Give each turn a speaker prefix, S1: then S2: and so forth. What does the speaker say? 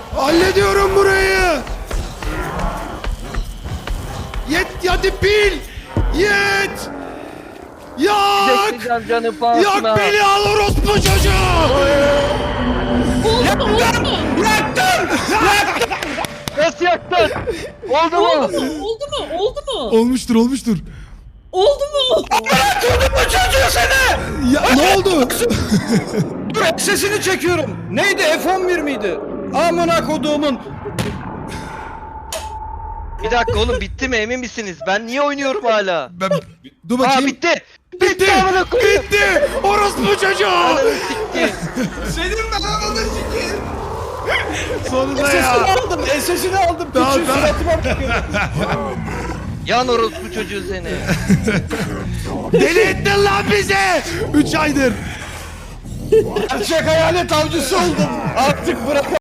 S1: Hallediyorum burayı. Yet hadi pil. Yet. Yak.
S2: Bekleyeceğim canım pahasına.
S1: Yak beni al orospu çocuğu.
S3: Oldu mu?
S2: Nasıl yaktın? Oldu mu?
S3: Oldu mu? Oldu mu? Oldu mu?
S1: Olmuştur.
S3: Oldu mu?
S4: Bu çocuğu seni!
S1: Ya ne oldu?
S4: Dur sesini çekiyorum. Neydi F11 miydi? Amına koduğumun.
S2: Bir dakika oğlum bitti mi emin misiniz? Ben niye oynuyorum hala?
S1: Dur
S2: Aa
S1: bakayım.
S2: bitti.
S1: Bitti.
S2: amına koyayım.
S1: Bitti. Orospu çocuğu.
S2: Ananı sikti.
S4: Senin ben anladın ki.
S1: Sonunda
S4: Sesini
S1: ya.
S4: aldım. Sesini aldım.
S1: Tamam,
S4: Küçük
S1: tamam.
S4: suratıma bakıyor.
S2: Yan orospu çocuğu seni.
S1: Deli ettin lan bizi. 3 aydır.
S4: Gerçek hayalet avcısı oldum. Artık bırak.